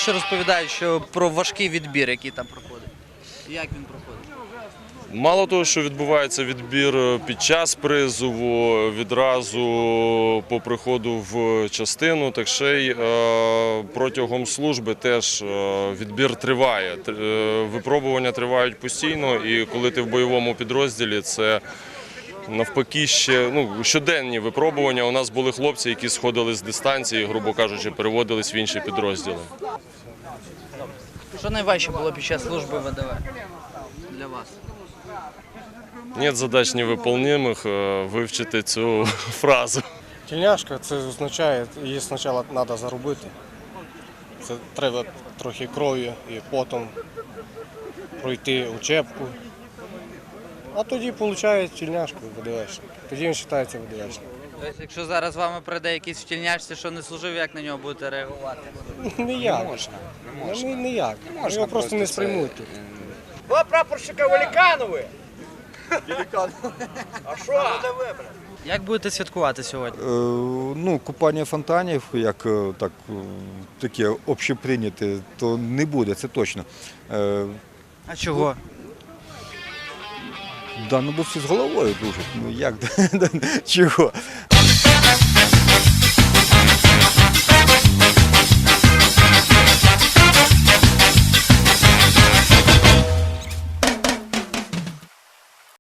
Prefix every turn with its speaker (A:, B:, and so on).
A: що розповідають, що про важкий відбір, який там проходить. Як він проходить?
B: Мало того, що відбувається відбір під час призову, відразу по приходу в частину, так ще й протягом служби теж відбір триває. Випробування тривають постійно, і коли ти в бойовому підрозділі, це навпаки ще щоденні випробування. У нас були хлопці, які сходили з дистанції, грубо кажучи, переводились в інші підрозділи.
A: Що найважче було під час служби ВДВ для вас?
B: Нет задач невыполнимых, вивчити цю фразу.
C: Тільняшка це означає, її спочатку треба заробити. Це треба трохи крові і потім пройти учебку. А тоді отримує тільняшку ВДВшник. Тоді він вважається ВДВшником.
A: Тобто, якщо зараз з вами прийде якийсь в тільняшці, що не служив, як на нього будете реагувати?
C: Ніяк. Ніяк. Його просто не сприймуть.
D: Два прапорщика Великанови. А що?
A: Як будете святкувати сьогодні?
E: Купання фонтанів, як таке общеприйняте, то не буде, це точно.
A: А чого?
E: Бо всі з головою дуже. Чого?